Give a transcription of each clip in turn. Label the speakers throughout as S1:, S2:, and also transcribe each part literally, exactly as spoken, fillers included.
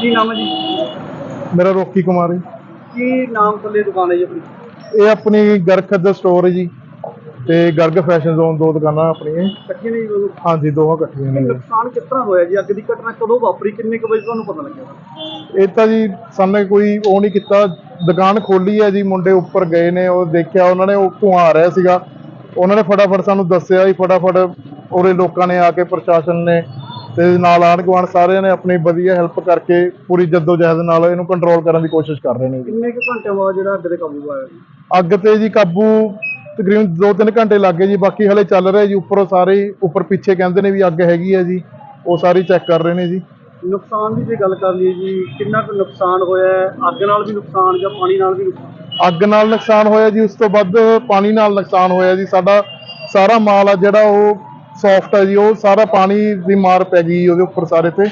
S1: ਕੀ ਨਾਮ ਹੈ ਜੀ?
S2: मेरा रॉकी कुमार है।
S1: ਕੀ ਨਾਮ ਥੱਲੇ ਦੁਕਾਨ ਹੈ ਜੀ ਆਪਣੀ?
S2: ये अपनी गर्ग खद्दर स्टोर है जी ते गर्ग फैशन जोन दो दुकाना अपनी।
S1: ਇਕੱਠੀਆਂ ਨੇ ਜੀ ਦੋਨੋਂ?
S2: हाँ जी दोनों इकट्ठियां ने।
S1: ਨੁਕਸਾਨ ਕਿਸ ਤਰ੍ਹਾਂ ਹੋਇਆ ਜੀ? ਅੱਗ ਦੀ ਘਟਨਾ ਕਦੋਂ ਵਾਪਰੀ, ਕਿੰਨੇ ਕੁ ਵਜੇ ਤੁਹਾਨੂੰ ਪਤਾ ਲੱਗਿਆ?
S2: ਇਹ ਤਾਂ ਜੀ ਸਾਹਮਣੇ ਕੋਈ ਉਹ ਨਹੀਂ ਕੀਤਾ, ਦੁਕਾਨ ਖੋਲੀ ਹੈ ਜੀ, ਮੁੰਡੇ ਉੱਪਰ ਗਏ ਨੇ, ਉਹ ਦੇਖਿਆ ਉਹਨਾਂ ਨੇ, ਉਹ ਧੂੰਆਂ ਆ ਰਿਹਾ ਸੀਗਾ, ਉਹਨਾਂ ਨੇ ਫਟਾਫਟ ਸਾਨੂੰ ਦੱਸਿਆ ਜੀ, ਫਟਾਫਟ ਉਰੇ ਲੋਕਾਂ ਨੇ ਆ ਕੇ, ਪ੍ਰਸ਼ਾਸਨ ਨੇ ਤੇ ਨਾਲ ਆਂਢ ਗੁਆਂਢ ਸਾਰਿਆਂ ਨੇ ਆਪਣੀ ਵਧੀਆ ਹੈਲਪ ਕਰਕੇ ਪੂਰੀ ਜੱਦੋ ਜਹਿਦ ਨਾਲ ਇਹਨੂੰ ਕੰਟਰੋਲ ਕਰਨ ਦੀ ਕੋਸ਼ਿਸ਼ ਕਰ ਰਹੇ ਨੇ ਜੀ।
S1: ਕਿੰਨੇ ਕੁ ਘੰਟਿਆਂ ਬਾਅਦ ਜਿਹੜਾ ਅੱਗ ਤੇ ਕਾਬੂ ਆਇਆ ਜੀ?
S2: ਅੱਗ ਤੇ ਜੀ ਕਾਬੂ ਤਕਰੀਬਨ ਦੋ ਤਿੰਨ ਘੰਟੇ ਲੱਗ ਗਏ ਜੀ, ਬਾਕੀ ਹਲੇ ਚੱਲ ਰਿਹਾ ਜੀ। ਉੱਪਰੋਂ ਸਾਰੇ ਉੱਪਰ ਪਿੱਛੇ ਕਹਿੰਦੇ ਨੇ ਵੀ ਅੱਗ ਹੈਗੀ ਹੈ ਜੀ, ਉਹ ਸਾਰੀ ਚੈੱਕ ਕਰ ਰਹੇ ਨੇ ਜੀ।
S1: ਨੁਕਸਾਨ ਦੀ ਜੇ ਗੱਲ ਕਰ ਲਈਏ ਜੀ, ਕਿੰਨਾ ਕੁ ਨੁਕਸਾਨ ਹੋਇਆ ਹੈ? ਅੱਗ ਨਾਲ ਵੀ ਨੁਕਸਾਨ ਜਾਂ ਪਾਣੀ ਨਾਲ ਵੀ ਨੁਕਸਾਨ?
S2: ਅੱਗ ਨਾਲ ਨੁਕਸਾਨ ਹੋਇਆ ਜੀ, ਉਸ ਤੋਂ ਵੱਧ ਪਾਣੀ ਨਾਲ ਨੁਕਸਾਨ ਹੋਇਆ ਜੀ। ਸਾਡਾ ਸਾਰਾ ਮਾਲ ਆ ਜਿਹੜਾ ਉਹ ਸੌਫਟ ਹੈ ਜੀ, ਉਹ ਸਾਰਾ ਪਾਣੀ ਦੀ ਮਾਰ ਪੈ ਗਈ ਉਹਦੇ ਉੱਪਰ ਸਾਰੇ ਤੇ।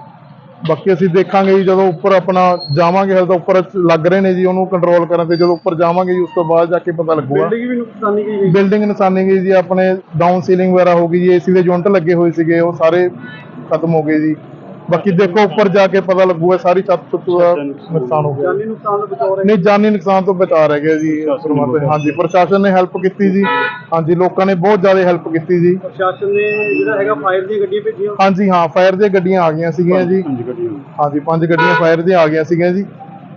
S2: ਬਾਕੀ ਅਸੀਂ ਦੇਖਾਂਗੇ ਜੀ ਜਦੋਂ ਉੱਪਰ ਆਪਣਾ ਜਾਵਾਂਗੇ, ਹਲ ਤਾਂ ਉੱਪਰ ਲੱਗ ਰਹੇ ਨੇ ਜੀ ਉਹਨੂੰ ਕੰਟਰੋਲ ਕਰਨ ਤੇ, ਜਦੋਂ ਉੱਪਰ ਜਾਵਾਂਗੇ ਜੀ ਉਸ ਤੋਂ ਬਾਅਦ ਜਾ ਕੇ ਪਤਾ ਲੱਗੂਗਾ।
S1: ਬਿਲਡਿੰਗ ਵੀ ਨੁਕਸਾਨੀ ਗਈ?
S2: ਬਿਲਡਿੰਗ ਨੁਕਸਾਨੀ ਗਈ ਜੀ, ਆਪਣੇ ਡਾਊਨ ਸੀਲਿੰਗ ਵਗੈਰਾ ਹੋ ਗਈ ਜੀ, ਏਸੀ ਦੇ ਯੂਨਿਟ ਲੱਗੇ ਹੋਏ ਸੀਗੇ ਉਹ ਸਾਰੇ ਖਤਮ ਹੋ ਗਏ ਜੀ। ਬਾਕੀ ਦੇਖੋ ਉੱਪਰ ਜਾ ਕੇ ਪਤਾ ਲੱਗੂਗਾ, ਸਾਰੀ ਛੱਤ ਛੁੱਤ ਦਾ ਨੁਕਸਾਨ ਹੋ ਗਿਆ।
S1: ਜਾਨੀ ਨੁਕਸਾਨ ਤੋਂ ਬਚਾ ਰਹੇ?
S2: ਨਹੀਂ, ਜਾਨੀ ਨੁਕਸਾਨ ਤੋਂ ਬਚਾ ਰਹਿ ਗਿਆ ਜੀ। ਹਾਂਜੀ, ਪ੍ਰਸ਼ਾਸਨ ਨੇ ਹੈਲਪ ਕੀਤੀ ਜੀ। ਹਾਂਜੀ, ਲੋਕਾਂ ਨੇ ਬਹੁਤ ਜ਼ਿਆਦਾ ਹੈਲਪ ਕੀਤੀ ਜੀ।
S1: ਪ੍ਰਸ਼ਾਸਨ ਨੇ ਜਿਹੜਾ ਹੈਗਾ ਫਾਇਰ ਦੀਆਂ ਗੱਡੀਆਂ ਭੇਜੀਆਂ?
S2: ਹਾਂਜੀ ਹਾਂ, ਫਾਇਰ ਦੀਆਂ ਗੱਡੀਆਂ ਆ ਗਈਆਂ ਸੀਗੀਆਂ ਜੀ। ਹਾਂਜੀ, ਪੰਜ ਗੱਡੀਆਂ ਫਾਇਰ ਦੀਆਂ ਆ ਗਈਆਂ ਸੀਗੀਆਂ ਜੀ।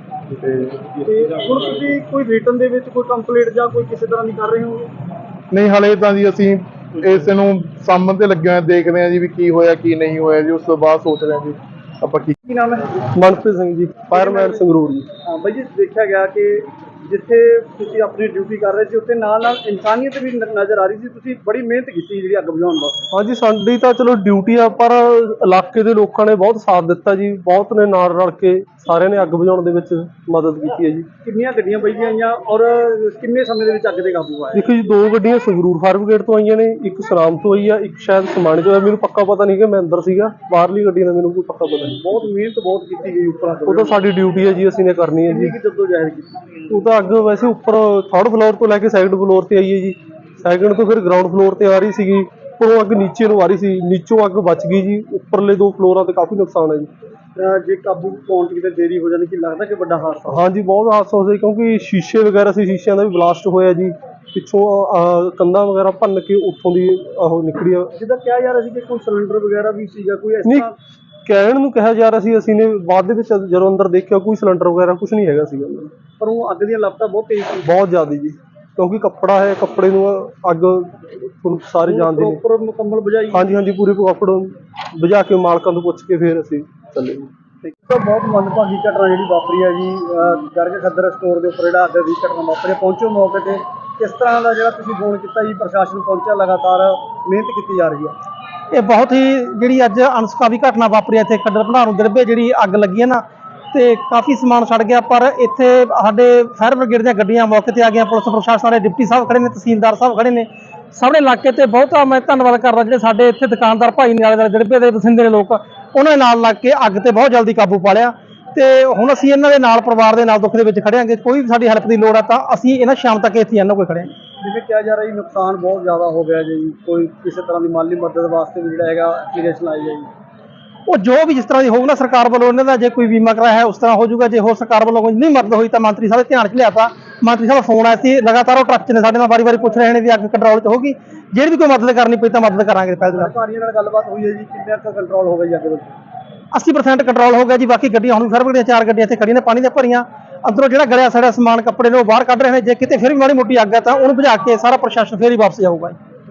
S1: ਤੇ ਹੁਣ ਤੁਸੀਂ ਕੋਈ ਰਿਟਨ ਦੇ ਵਿੱਚ ਕੋਈ ਕੰਪਲੇਂਟ ਜਾਂ ਕੋਈ ਕਿਸੇ ਤਰ੍ਹਾਂ ਦੀ ਕਰ ਰਹੇ ਹੋ?
S2: ਨਹੀਂ, ਹਲੇ ਤਾਂ ਜੀ ਅਸੀਂ ਇਸ ਨੂੰ ਸਾਂਭਣ ਤੇ ਲੱਗੇ ਹੋਏ, ਦੇਖਦੇ ਹਾਂ ਜੀ ਵੀ ਕੀ ਹੋਇਆ ਕੀ ਨਹੀਂ ਹੋਇਆ ਜੀ, ਉਸ ਤੋਂ ਬਾਅਦ ਸੋਚ ਰਹੇ ਹਾਂ ਜੀ ਆਪਾਂ ਕੀ।
S1: ਕੀ ਨਾਮ ਹੈ?
S2: ਮਨਪ੍ਰੀਤ ਸਿੰਘ ਜੀ, ਫਾਇਰਮੈਨ ਸੰਗਰੂਰ ਜੀ।
S1: ਹਾਂ ਬਾਈ ਜੀ, ਦੇਖਿਆ ਗਿਆ ਕਿ ਜਿੱਥੇ ਤੁਸੀਂ ਆਪਣੀ ਡਿਊਟੀ ਕਰ ਰਹੇ ਸੀ ਉੱਥੇ ਨਾਲ ਨਾਲ ਇਨਸਾਨੀਅਤ ਵੀ ਨ- ਨਜ਼ਰ ਆ ਰਹੀ ਸੀ। ਤੁਸੀਂ ਬੜੀ ਮਿਹਨਤ ਕੀਤੀ ਜਿਹੜੀ ਅੱਗ ਬੁਝਾਉਣ ਵਾਸਤੇ।
S3: ਹਾਂਜੀ, ਸਾਡੀ ਤਾਂ ਚਲੋ ਡਿਊਟੀ ਆ, ਪਰ ਇਲਾਕੇ ਦੇ ਲੋਕਾਂ ਨੇ ਬਹੁਤ ਸਾਥ ਦਿੱਤਾ ਜੀ, ਬਹੁਤ ਨੇ ਨਾਲ ਰਲ ਕੇ ਸਾਰਿਆਂ ਨੇ ਅੱਗ ਬੁਝਾਉਣ ਦੇ ਵਿੱਚ ਮਦਦ ਕੀਤੀ ਹੈ ਜੀ।
S1: ਕਿੰਨੀਆਂ ਗੱਡੀਆਂ ਬਈਆਂ ਆਈਆਂ ਔਰ ਕਿੰਨੇ ਸਮੇਂ ਦੇ ਵਿੱਚ ਅੱਗ ਤੇ ਕਾਬੂ ਆਇਆ?
S3: ਦੇਖੋ ਜੀ, ਦੋ ਗੱਡੀਆਂ ਸੰਗਰੂਰ ਫਾਇਰ ਬ੍ਰਿਗੇਡ ਤੋਂ ਆਈਆਂ ਨੇ, ਇੱਕ ਸਨਾਮ ਤੋਂ ਆਈ ਆ, ਇੱਕ ਸ਼ਾਇਦ ਸਮਾਣੇ ਤੋਂ ਆ। ਮੈਨੂੰ ਪੱਕਾ ਪਤਾ ਨਹੀਂ ਕਿ ਮੈਂ ਅੰਦਰ ਸੀਗਾ, ਬਾਹਰਲੀ ਗੱਡੀ ਦਾ ਮੈਨੂੰ ਕੋਈ ਪੱਕਾ ਪਤਾ ਨਹੀਂ।
S1: ਬਹੁਤ ਮਿਹਨਤ ਬਹੁਤ ਕੀਤੀ ਗਈ ਉੱਪਰ ਅੱਗ।
S3: ਉਹ ਤਾਂ ਸਾਡੀ ਡਿਊਟੀ ਹੈ ਜੀ, ਅਸੀਂ ਨੇ ਕਰਨੀ ਹੈ ਜੀ।
S1: ਕਿੰਨੀ ਕੁ ਜੱਦੋਜਹਿਦ ਕੀਤੀ?
S3: ਉਹ ਤਾਂ ਅੱਗ ਵੈਸੇ ਉੱਪਰ ਥਰਡ ਫਲੋਰ ਤੋਂ ਲੈ ਕੇ ਸੈਕਿੰਡ ਫਲੋਰ ਤੇ ਆਈ ਹੈ ਜੀ, ਸੈਕਿੰਡ ਤੋਂ ਫਿਰ ਗਰਾਊਂਡ ਫਲੋਰ ਤੇ ਆ ਰਹੀ ਸੀਗੀ, ਉੱਪਰੋਂ ਅੱਗ ਨੀਚੇ ਨੂੰ ਆ ਰਹੀ ਸੀ, ਨੀਚੋਂ ਅੱਗ ਬਚ ਗਈ ਜੀ। ਉੱਪਰਲੇ ਦੋ ਫਲੋਰਾਂ ਤੇ ਕਾਫੀ ਨੁਕਸਾਨ ਹੈ ਜੀ।
S1: ਅਹ ਜੇ ਕਾਬੂ ਪਾਉਣ 'ਚ ਕਿਤੇ ਦੇਰੀ ਹੋ ਜਾਂਦੀ, ਕੀ ਲੱਗਦਾ ਕਿ ਵੱਡਾ ਹਾਦਸਾ?
S3: ਹਾਂਜੀ, ਬਹੁਤ ਹਾਦਸਾ ਹੋ ਗਿਆ, ਕਿਉਂਕਿ ਸ਼ੀਸ਼ੇ ਵਗੈਰਾ ਸੀ, ਸ਼ੀਸ਼ਿਆਂ ਦਾ ਵੀ ਬਲਾਸਟ ਹੋਇਆ ਜੀ। ਪਿੱਛੋਂ ਅਹ, ਕੰਧਾਂ ਵਗੈਰਾ ਭੰਨ ਕੇ ਉੱਥੋਂ ਦੀ ਉਹ ਨਿਕਲੀ ਆ।
S1: ਜਿੱਦਾਂ ਕਿਹਾ ਜਾ ਰਿਹਾ ਸੀ ਕਿ ਕੋਈ ਸਿਲੰਡਰ ਵਗੈਰਾ ਵੀ ਸੀ ਜਾਂ ਕੋਈ ਇਸ
S3: ਨਹੀਂ,
S1: ਤਰ੍ਹਾਂ?
S3: ਕਹਿਣ ਨੂੰ ਕਿਹਾ ਜਾ ਰਿਹਾ ਸੀ, ਅਸੀਂ ਨੇ ਬਾਅਦ ਦੇ ਵਿੱਚ ਜਦੋਂ ਅੰਦਰ ਦੇਖਿਆ ਕੋਈ ਸਿਲੰਡਰ ਵਗੈਰਾ ਕੁਝ ਨਹੀਂ ਹੈਗਾ ਸੀਗਾ।
S1: ਪਰ ਉਹ ਅੱਗ ਦੀਆਂ ਲਪਟਾਂ ਬਹੁਤ ਤੇਜ਼ ਸੀ।
S3: ਬਹੁਤ ਜ਼ਿਆਦਾ ਜੀ, ਕਿਉਂਕਿ ਕੱਪੜਾ ਹੈ, ਕੱਪੜੇ ਨੂੰ ਅੱਗ ਤੁਹਾਨੂੰ ਸਾਰੇ ਜਾਣਦੇ ਨੇ।
S1: ਪ੍ਰੋਪਰ ਮੁਕੰਮਲ ਬੁਝਾਈ?
S3: ਹਾਂਜੀ ਹਾਂਜੀ, ਪੂਰੇ ਕੱਪੜ ਬੁਝਾ ਕੇ ਮਾਲਕਾਂ ਤੋਂ ਪੁੱਛ ਕੇ ਫਿਰ ਅਸੀਂ ਚੱਲੇ।
S1: ਇੱਕ ਤਾਂ ਬਹੁਤ ਮੰਦਭਾਗੀ ਘਟਨਾ ਜਿਹੜੀ ਵਾਪਰੀ ਹੈ ਜੀ, ਅਹ ਗਰਗ ਖੱਦਰ ਸਟੋਰ ਦੇ ਉੱਪਰ ਜਿਹੜਾ ਅੱਗ ਦੀ ਘਟਨਾ ਵਾਪਰੀ। ਪਹੁੰਚੋ ਮੌਕੇ ਤੇ, ਕਿਸ ਤਰ੍ਹਾਂ ਦਾ ਜਿਹੜਾ ਤੁਸੀਂ ਫੋਨ ਕੀਤਾ ਜੀ, ਪ੍ਰਸ਼ਾਸਨ ਪਹੁੰਚਿਆ, ਲਗਾਤਾਰ ਮਿਹਨਤ ਕੀਤੀ ਜਾ ਰਹੀ ਹੈ?
S4: ਇਹ ਬਹੁਤ ਹੀ ਜਿਹੜੀ ਅੱਜ ਅਣਸੁਖਾਵੀ ਘਟਨਾ ਵਾਪਰੀ ਇੱਥੇ ਖੱਡਰ ਭੰਡਾਰੂ ਦਰਬੇ ਜਿਹੜੀ ਅੱਗ ਲੱਗੀ ਹੈ ਨਾ, ਤੇ ਕਾਫੀ ਸਮਾਨ ਸੜ ਗਿਆ। ਪਰ ਇੱਥੇ ਸਾਡੇ ਫਾਇਰ ਬ੍ਰਿਗੇਡ ਦੀਆਂ ਗੱਡੀਆਂ ਮੌਕੇ ਤੇ ਆ ਗਈਆਂ, ਪੁਲਿਸ ਪ੍ਰਸ਼ਾਸਨ ਦੇ ਡਿਪਟੀ ਸਾਹਿਬ ਖੜੇ ਨੇ, ਤਹਿਸੀਲਦਾਰ ਸਾਹਿਬ ਖੜੇ ਨੇ, ਸਾਰੇ ਇਲਾਕੇ ਤੇ ਬਹੁਤਾ ਮੈਂ ਧੰਨਵਾਦ ਕਰਦਾ ਜਿਹੜੇ ਸਾਡੇ ਇੱਥੇ ਦੁਕਾਨਦਾਰ ਭਾਈ ਨੇ, ਆਲੇ ਦੁਆਲੇ ਦਰਬੇ ਦੇ ਵਸਿੰਦੇ ਨੇ ਲੋਕ, ਉਹਨਾਂ ਦੇ ਨਾਲ ਲੱਗ ਕੇ ਅੱਗ ਤੇ ਬਹੁਤ ਜਲਦੀ ਕਾਬੂ ਪਾ ਲਿਆ। ਤੇ ਹੁਣ ਅਸੀਂ ਇਹਨਾਂ ਦੇ ਨਾਲ, ਪਰਿਵਾਰ ਦੇ ਨਾਲ ਦੁੱਖ ਦੇ ਵਿੱਚ ਖੜਿਆਂਗੇ। ਕੋਈ ਵੀ ਸਾਡੀ ਹੈਲਪ ਦੀ ਲੋੜ ਆ ਤਾਂ ਅਸੀਂ ਇਹਨਾਂ ਸ਼ਾਮ ਤੱਕ ਇੱਥੇ ਇਹਨਾਂ ਕੋਲ ਖੜੇ ਹਾਂ।
S1: ਜਿਵੇਂ ਕਿਹਾ ਜਾ ਰਿਹਾ ਜੀ ਨੁਕਸਾਨ ਬਹੁਤ ਜ਼ਿਆਦਾ ਹੋ ਗਿਆ ਜੀ, ਕੋਈ ਕਿਸੇ ਤਰ੍ਹਾਂ ਦੀ ਮਾਲੀ ਮਦਦ ਵਾਸਤੇ ਵੀ ਜਿਹੜਾ ਹੈਗਾ ਐਪਲੀਕੇਸ਼ਨ ਆਈ ਹੈ ਜੀ?
S4: ਉਹ ਜੋ ਵੀ ਜਿਸ ਤਰ੍ਹਾਂ ਦੀ ਹੋਊ ਨਾ ਸਰਕਾਰ ਵੱਲੋਂ, ਇਹਨਾਂ ਦਾ ਜੇ ਕੋਈ ਬੀਮਾ ਕਰਾਇਆ ਹੈ ਉਸ ਤਰ੍ਹਾਂ ਹੋ ਜਾਊਗਾ। ਜੇ ਹੋਰ ਸਰਕਾਰ ਵੱਲੋਂ ਕੋਈ ਨਹੀਂ ਮਦਦ ਹੋਈ ਤਾਂ ਮੰਤਰੀ ਸਾਹਿਬ ਦੇ ਧਿਆਨ 'ਚ ਲਿਆਤਾ, ਮੰਤਰੀ ਸਾਹਿਬ ਫੋਨ ਆਇਆ ਸੀ, ਲਗਾਤਾਰ ਉਹ ਟਰੱਕ 'ਚ ਨੇ ਸਾਡੇ ਨਾਲ, ਵਾਰੀ ਵਾਰੀ ਪੁੱਛ ਰਹੇ ਨੇ ਵੀ ਅੱਗ ਕੰਟਰੋਲ 'ਚ ਹੋਗੀ, ਜਿਹੜੀ ਵੀ ਕੋਈ ਮਦਦ ਕਰਨੀ ਪਈ ਤਾਂ ਮਦਦ ਕਰਾਂਗੇ। ਪਹਿਲ ਨਾਲ
S1: ਅਧਿਕਾਰੀਆਂ ਨਾਲ ਗੱਲਬਾਤ ਹੋਈ ਹੈ ਜੀ, ਕਿੰਨਾ ਕੁ ਕੰਟਰੋਲ ਹੋ ਗਿਆ ਜੀ ਅੱਗ ਦੇ?
S4: ਅੱਸੀ ਪਰਸੈਂਟ ਕੰਟਰੋਲ ਹੋ ਗਿਆ ਜੀ। ਬਾਕੀ ਗੱਡੀਆਂ ਹੁਣ ਵੀ ਫਾਇਰ ਬ੍ਰਿਗੇਡ ਦੀਆਂ ਚਾਰ ਗੱਡੀਆਂ ਇੱਥੇ ਖੜੀਆਂ ਨੇ, ਪਾਣੀ ਦੀਆਂ ਭਰੀਆਂ, ਅੰਦਰੋਂ ਜਿਹੜਾ ਗਲਿਆ ਸੜਿਆ ਸਮਾਨ ਕੱਪੜੇ ਨੇ ਉਹ ਬਾਹਰ ਕੱਢ ਰਹੇ ਨੇ। ਜੇ ਕਿਤੇ ਫਿਰ ਵੀ ਮਾੜੀ ਮੋਟੀ ਅੱਗ ਹੈ ਤਾਂ ਉਹਨੂੰ ਬੁਝਾ ਕੇ ਸਾਰਾ ਪ੍ਰਸ਼ਾਸਨ ਫਿਰ ਹੀ ਵਾਪਸ ਜਾਊਗਾ।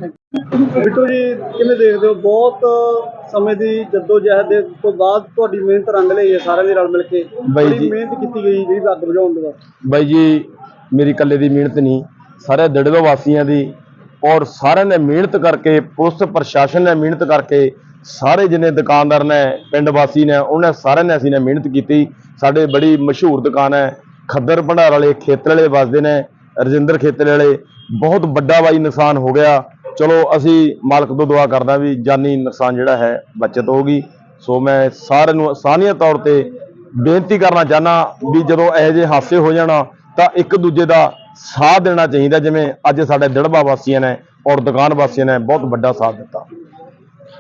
S1: ਬਿੱਟੂ ਜੀ, ਕਿਵੇਂ ਦੇਖਦੇ ਹੋ, ਬਹੁਤ ਸਮੇਂ ਦੀ ਜੱਦੋਜਹਿਦ ਦੇ ਤੋਂ ਬਾਅਦ ਤੁਹਾਡੀ ਮਿਹਨਤ ਰੰਗ ਲਈ ਹੈ, ਸਾਰਿਆਂ ਦੇ ਰਲ ਮਿਲ ਕੇ ਬੜੀ
S5: ਜੀ
S1: ਮਿਹਨਤ ਕੀਤੀ ਗਈ ਜਿਹੜੀ ਅੱਗ ਬੁਝਾਉਣ ਦੇ ਵਾਸਤੇ?
S5: ਬਾਈ ਜੀ, ਮੇਰੀ ਇਕੱਲੇ ਦੀ ਮਿਹਨਤ ਨਹੀਂ, ਸਾਰੇ ਦੜਵੇ ਵਾਸੀਆਂ ਦੀ, ਔਰ ਸਾਰਿਆਂ ਨੇ ਮਿਹਨਤ ਕਰਕੇ, ਪੁਲਿਸ ਪ੍ਰਸ਼ਾਸਨ ਨੇ ਮਿਹਨਤ ਕਰਕੇ, ਸਾਰੇ ਜਿੰਨੇ ਦੁਕਾਨਦਾਰ ਨੇ, ਪਿੰਡ ਵਾਸੀ ਨੇ, ਉਹਨਾਂ ਸਾਰਿਆਂ ਨੇ ਅਸੀਂ ਨੇ ਮਿਹਨਤ ਕੀਤੀ। ਸਾਡੇ ਬੜੀ ਮਸ਼ਹੂਰ ਦੁਕਾਨ ਹੈ ਖੱਦਰ ਭੰਡਾਰ ਵਾਲੇ, ਖੇਤਰ ਵਾਲੇ ਵਸਦੇ ਨੇ, ਰਜਿੰਦਰ ਖੇਤਰ ਵਾਲੇ। ਬਹੁਤ ਵੱਡਾ ਬਾਈ ਨੁਕਸਾਨ ਹੋ ਗਿਆ। ਚਲੋ ਅਸੀਂ ਮਾਲਕ ਤੋਂ ਦੁਆ ਕਰਦਾ ਵੀ ਜਾਨੀ ਨੁਕਸਾਨ ਜਿਹੜਾ ਹੈ ਬਚਤ ਹੋਊਗੀ। ਸੋ ਮੈਂ ਸਾਰਿਆਂ ਨੂੰ ਸਾਂਝੇ ਤੌਰ ਤੇ ਬੇਨਤੀ ਕਰਨਾ ਚਾਹੁੰਦਾ ਵੀ ਜਦੋਂ ਇਹੋ ਜਿਹੇ ਹਾਦਸੇ ਹੋ ਜਾਣਾ ਤਾਂ ਇੱਕ ਦੂਜੇ ਦਾ ਸਾਥ ਦੇਣਾ ਚਾਹੀਦਾ, ਜਿਵੇਂ ਅੱਜ ਸਾਡੇ ਦੜਬਾ ਵਾਸੀਆਂ ਨੇ ਔਰ ਦੁਕਾਨ ਵਾਸੀਆਂ ਨੇ ਬਹੁਤ ਵੱਡਾ ਸਾਥ ਦਿੱਤਾ।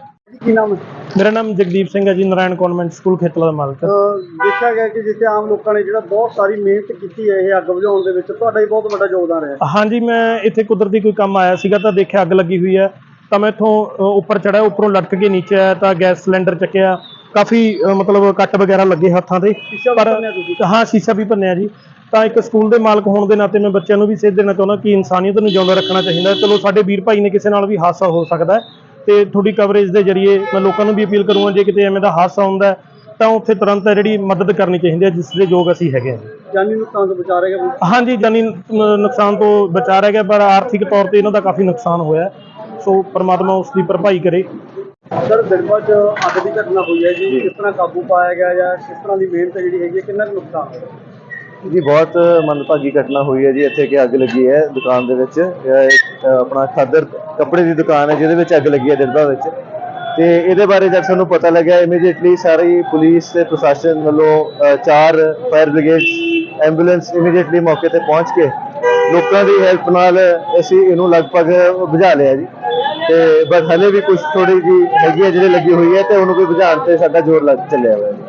S1: ਕੀ ਨਾਮ ਹੈ?
S3: ਮੇਰਾ ਨਾਮ ਜਗਦੀਪ ਸਿੰਘ ਹੈ ਜੀ, ਨਾਰਾਇਣ ਕਨਵੈਂਟ ਸਕੂਲ ਖੇਤਲਾ ਦਾ ਮਾਲਕ।
S1: ਅਹ ਦੇਖਿਆ ਗਿਆ ਕਿ ਜਿੱਥੇ ਆਮ ਲੋਕਾਂ ਨੇ ਜਿਹੜਾ ਬਹੁਤ ਸਾਰੀ ਮਿਹਨਤ ਕੀਤੀ ਹੈ ਇਹ ਅੱਗ ਬੁਝਾਉਣ ਦੇ ਵਿੱਚ, ਤੁਹਾਡਾ ਹੀ ਬਹੁਤ ਵੱਡਾ ਯੋਗਦਾਨ ਰਿਹਾ।
S3: ਹਾਂਜੀ, ਮੈਂ ਇੱਥੇ ਕੁਦਰਤੀ ਕੋਈ ਕੰਮ ਆਇਆ ਸੀਗਾ ਤਾਂ ਦੇਖਿਆ ਅੱਗ ਲੱਗੀ ਹੋਈ ਹੈ, ਤਾਂ ਮੈਂ ਇੱਥੋਂ ਅ, ਉੱਪਰ ਚੜ੍ਹਿਆ, ਉੱਪਰੋਂ ਲਟਕ ਕੇ ਨੀਚੇ ਆਇਆ ਤਾਂ ਗੈਸ ਸਿਲੰਡਰ ਚੱਕਿਆ। ਕਾਫੀ ਅ, ਮਤਲਬ ਕੱਟ ਵਗੈਰਾ ਲੱਗੇ ਹੱਥਾਂ ਤੇ,
S1: ਸ਼ੀਸ਼ਾ ਵੀ
S3: ਪਰ
S1: ਭੰਨਿਆ ਤੁਸੀਂ?
S3: ਹਾਂ ਸ਼ੀਸ਼ਾ ਵੀ ਭੰਨਿਆ ਜੀ। ਤਾਂ ਇੱਕ ਸਕੂਲ ਦੇ ਮਾਲਕ ਹੋਣ ਦੇ ਨਾਤੇ ਮੈਂ ਬੱਚਿਆਂ ਨੂੰ ਵੀ ਸੇਧ ਦੇਣਾ ਚਾਹੁੰਦਾ ਕਿ ਇਨਸਾਨੀਅਤ ਨੂੰ ਜਿਉਂਦਾ ਰੱਖਣਾ ਚਾਹੀਦਾ। ਚਲੋ ਸਾਡੇ ਵੀਰ ਭਾਈ ਨੇ, ਕਿਸੇ ਨਾਲ ਵੀ ਹਾਦਸਾ ਹੋ ਸਕਦਾ ਹੈ, ਤੇ ਤੁਹਾਡੀ ਕਵਰੇਜ ਦੇ ਜ਼ਰੀਏ ਮੈਂ ਲੋਕਾਂ ਨੂੰ ਵੀ ਅਪੀਲ ਕਰੂੰਗਾ ਜੇ ਕਿਤੇ ਐਵੇਂ ਦਾ ਹਾਦਸਾ ਹੁੰਦਾ ਹੈ ਤਾਂ ਉੱਥੇ ਤੁਰੰਤ ਹੈ ਜਿਹੜੀ ਮਦਦ ਕਰਨੀ ਚਾਹੀਦੀ ਹੈ, ਜਿਸ ਦੇ ਯੋਗ ਅਸੀਂ ਹੈਗੇ ਹਾਂ।
S1: ਜਾਨੀ ਨੁਕਸਾਨ ਤੋਂ ਬਚਾ ਰਹੇਗਾ।
S3: ਹਾਂਜੀ, ਜਾਨੀ ਨ- ਨੁਕਸਾਨ ਤੋਂ ਬਚਾ ਰਹਿ ਗਿਆ, ਪਰ ਆਰਥਿਕ ਤੌਰ ਤੇ ਇਹਨਾਂ ਦਾ ਕਾਫੀ ਨੁਕਸਾਨ ਹੋਇਆ, ਸੋ ਪ੍ਰਮਾਤਮਾ ਉਸ ਦੀ ਭਰਪਾਈ ਕਰੇ।
S1: ਸਰ ਦਿਲਬਾ ਚ ਅੱਗ ਦੀ ਘਟਨਾ ਹੋਈ ਹੈ ਜੀ, ਕਿਸ ਤਰ੍ਹਾਂ ਕਾਬੂ ਪਾਇਆ ਗਿਆ ਜਾਂ ਕਿਸ ਤਰ੍ਹਾਂ ਦੀ ਮਿਹਨਤ ਜਿਹੜੀ ਹੈਗੀ ਹੈ, ਕਿੰਨਾ ਕੁ ਨੁਕਸਾਨ ਹੋਇਆ?
S6: ਜੀ ਬਹੁਤ ਮੰਦਭਾਗੀ ਘਟਨਾ ਹੋਈ ਹੈ ਜੀ। ਇੱਥੇ ਕਿ ਅੱਗ ਲੱਗੀ ਹੈ ਦੁਕਾਨ ਦੇ ਵਿੱਚ, ਇਹ ਇੱਕ, ਅ, ਆਪਣਾ ਖਾਦਰ ਕੱਪੜੇ ਦੀ ਦੁਕਾਨ ਹੈ ਜਿਹਦੇ ਵਿੱਚ ਅੱਗ ਲੱਗੀ ਹੈ ਦਿਲਬਾ ਵਿੱਚ। ਤੇ ਇਹਦੇ ਬਾਰੇ ਜਦ ਸਾਨੂੰ ਪਤਾ ਲੱਗਿਆ, ਇਮੀਡੀਏਟਲੀ ਸਾਰੀ ਪੁਲਿਸ ਤੇ ਪ੍ਰਸ਼ਾਸਨ ਵੱਲੋਂ ਅ, ਚਾਰ ਫਾਇਰ ਬ੍ਰਿਗੇਡ ਐਂਬੂਲੈਂਸ ਇਮੀਡੀਏਟਲੀ ਮੌਕੇ ਤੇ ਪਹੁੰਚ ਕੇ ਲੋਕਾਂ ਦੀ ਹੈਲਪ ਨਾਲ ਅਸੀਂ ਇਹਨੂੰ ਲਗਭਗ ਬੁਝਾ ਲਿਆ ਜੀ। ਤੇ ਬਸ ਹਲੇ ਵੀ ਕੁਝ ਥੋੜੀ ਜੀ ਹੈਗੀ ਹੈ ਜਿਹੜੀ ਲੱਗੀ ਹੋਈ ਹੈ, ਤੇ ਉਹਨੂੰ ਵੀ ਬੁਝਾਉਣ ਤੇ ਸਾਡਾ ਜ਼ੋਰ ਲੱਗ ਚੱਲਿਆ ਹੋਇਆ ਹੈ।